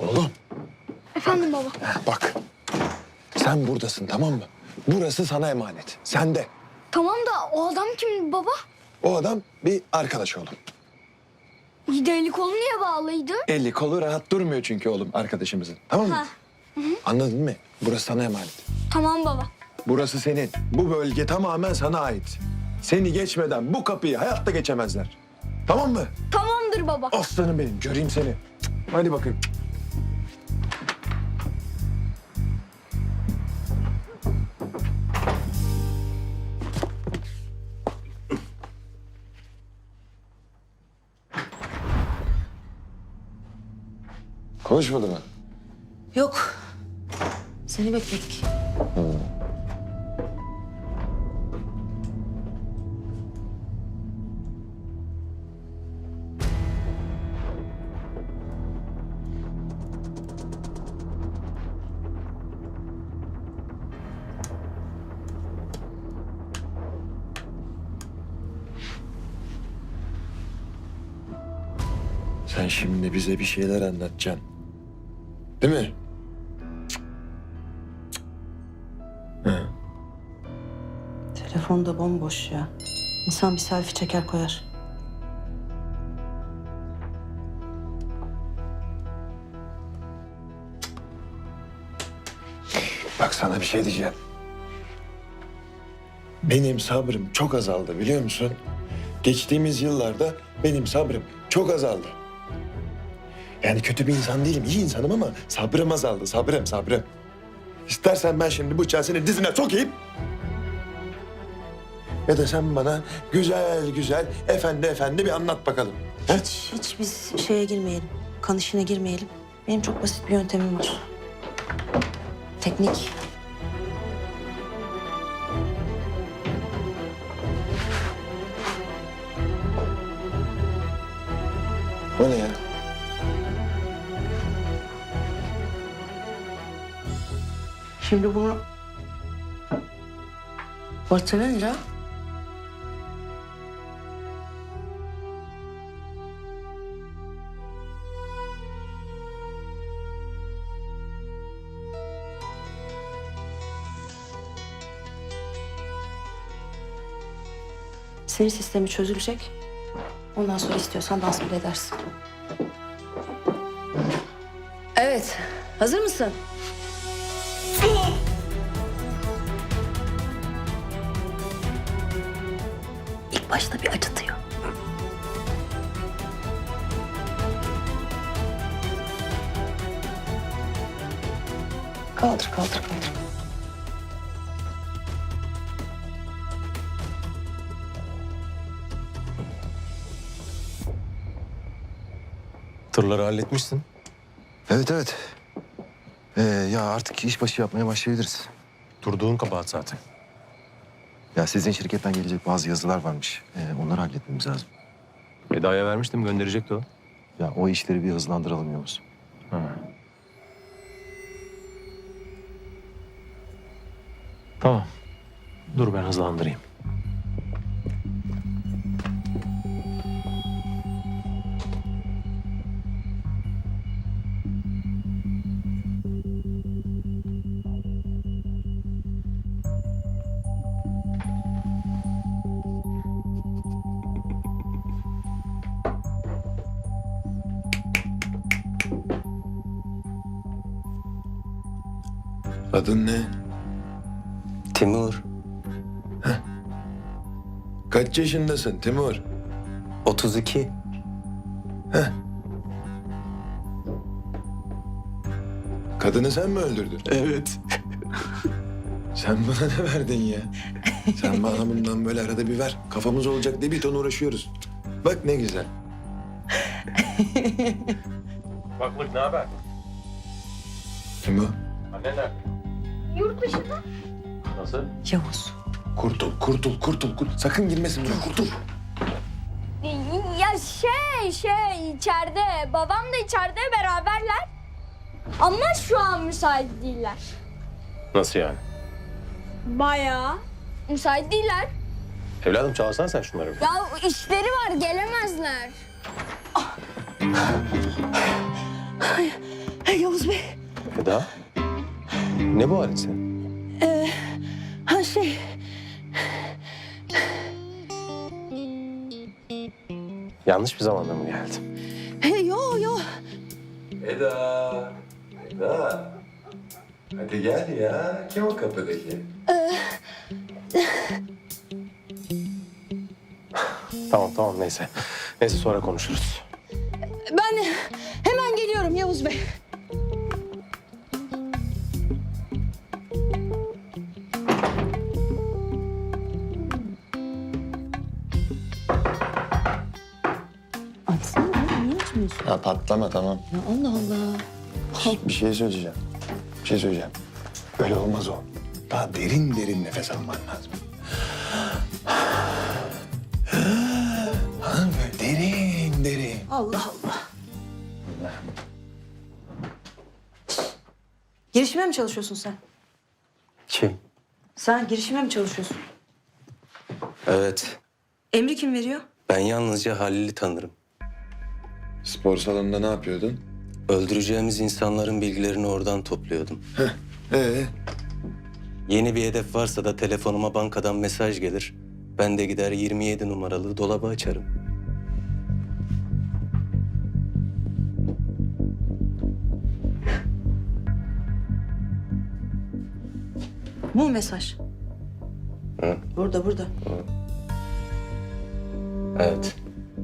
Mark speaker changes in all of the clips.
Speaker 1: Oğlum.
Speaker 2: Efendim baba.
Speaker 1: Bak. Sen buradasın, tamam mı? Burası sana emanet. Sen de.
Speaker 2: Tamam da o adam kim baba?
Speaker 1: O adam bir arkadaş oğlum.
Speaker 2: İyi de eli kolu niye bağlıydı?
Speaker 1: Eli kolu rahat durmuyor çünkü oğlum arkadaşımızın. Tamam mı?
Speaker 2: Ha.
Speaker 1: Anladın mı? Burası sana emanet.
Speaker 2: Tamam baba.
Speaker 1: Burası senin. Bu bölge tamamen sana ait. Seni geçmeden bu kapıyı hayatta geçemezler. Tamam mı?
Speaker 2: Tamamdır baba.
Speaker 1: Aslanım benim. Göreyim seni. Hadi bakayım. Konuşmadı mı?
Speaker 3: Yok. Seni bekledik.
Speaker 1: Sen şimdi bize bir şeyler anlatacaksın. Değil mi?
Speaker 3: Telefon da bomboş ya. İnsan bir selfie çeker koyar.
Speaker 1: Bak sana bir şey diyeceğim. Benim sabrım çok azaldı biliyor musun? Geçtiğimiz yıllarda benim sabrım çok azaldı. Yani kötü bir insan değilim, iyi insanım ama sabrım azaldı, sabrım. İstersen ben şimdi bıçağı senin dizine sokayım. Ya da sen bana güzel, efendi bir anlat bakalım. He?
Speaker 3: Hiç biz şeye girmeyelim. Kan işine girmeyelim. Benim çok basit bir yöntemim var. Teknik.
Speaker 1: O ne ya?
Speaker 3: Şimdi bunu batırınca sinir sistemi çözülecek. Ondan sonra istiyorsan dans bile edersin. Evet. Hazır mısın? İlk başta bir acıtıyor. Kaldır.
Speaker 4: Tırları halletmişsin.
Speaker 5: Evet. Ya artık işbaşı yapmaya başlayabiliriz.
Speaker 4: Durduğun kabahat zaten.
Speaker 5: Ya sizin şirketten gelecek bazı yazılar varmış. Onları halletmemiz lazım.
Speaker 4: Eda'ya vermiştim, gönderecekti o.
Speaker 5: Ya o işleri bir hızlandıralım Yavuz.
Speaker 4: Ha. Tamam. Dur ben hızlandırayım.
Speaker 1: Adın ne?
Speaker 6: Timur,
Speaker 1: Kaç yaşındasın Timur?
Speaker 6: 32.
Speaker 1: Kadını sen mi öldürdün?
Speaker 6: Evet.
Speaker 1: Sen bana ne verdin ya? Sen bana bundan böyle arada bir ver. Kafamız olacak diye bir ton uğraşıyoruz. Bak ne güzel.
Speaker 4: Baklık ne haber?
Speaker 1: Kim o?
Speaker 4: Annen nerede?
Speaker 2: Yurt dışında.
Speaker 4: Nasıl?
Speaker 3: Yavuz.
Speaker 1: Kurtul. Sakın girmesin buraya, kurtul.
Speaker 2: Ya içeride. Babam da içeride beraberler. Ama şu an müsait değiller.
Speaker 4: Nasıl yani?
Speaker 2: Bayağı. Müsait değiller.
Speaker 4: Evladım çağırsan sen şunları.
Speaker 2: Ya işleri var gelemezler.
Speaker 3: Yavuz Bey.
Speaker 4: Eda? Ne bu halin senin?
Speaker 3: Ha şey.
Speaker 4: Yanlış bir zamanda mı geldim?
Speaker 3: Yo.
Speaker 1: Eda. Eda. Hadi gel ya. Kim o kapıdaki?
Speaker 4: Tamam neyse. Neyse sonra konuşuruz.
Speaker 3: Ben hemen geliyorum Yavuz Bey. Açsana oğlum, niye açmıyorsun?
Speaker 1: Ya patlama tamam.
Speaker 3: Ya Allah Allah.
Speaker 1: Bir şey söyleyeceğim. Bir şey söyleyeceğim. Öyle olmaz o. Daha derin derin nefes alman lazım. Ha, böyle derin derin.
Speaker 3: Allah Allah. Girişime mi çalışıyorsun sen?
Speaker 6: Kim?
Speaker 3: Sen girişime mi çalışıyorsun?
Speaker 6: Evet.
Speaker 3: Emri kim veriyor?
Speaker 6: Ben yalnızca Halil'i tanırım.
Speaker 1: Spor salonunda ne yapıyordun?
Speaker 6: Öldüreceğimiz insanların bilgilerini oradan topluyordum.
Speaker 1: Ee,
Speaker 6: Yeni bir hedef varsa da telefonuma bankadan mesaj gelir. Ben de gider 27 numaralı dolabı açarım.
Speaker 3: Bu mesaj.
Speaker 6: Hı?
Speaker 3: Burada.
Speaker 6: Evet.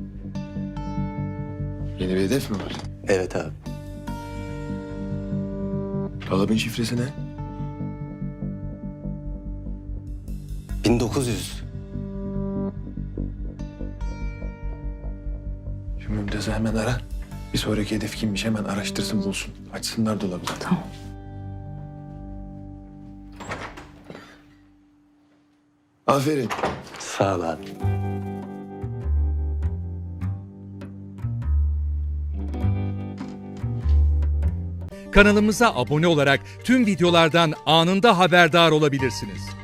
Speaker 1: yeni bir hedef mi var?
Speaker 6: Evet abi.
Speaker 1: Dolabın şifresi ne?
Speaker 6: 1900.
Speaker 1: Şu Mümtaz'ı hemen ara. Bir sonraki hedef kimmiş hemen araştırsın bulsun. Açsınlar dolabı.
Speaker 3: Tamam.
Speaker 1: Aferin.
Speaker 6: Sağ ol abi.
Speaker 7: Kanalımıza abone olarak tüm videolardan anında haberdar olabilirsiniz.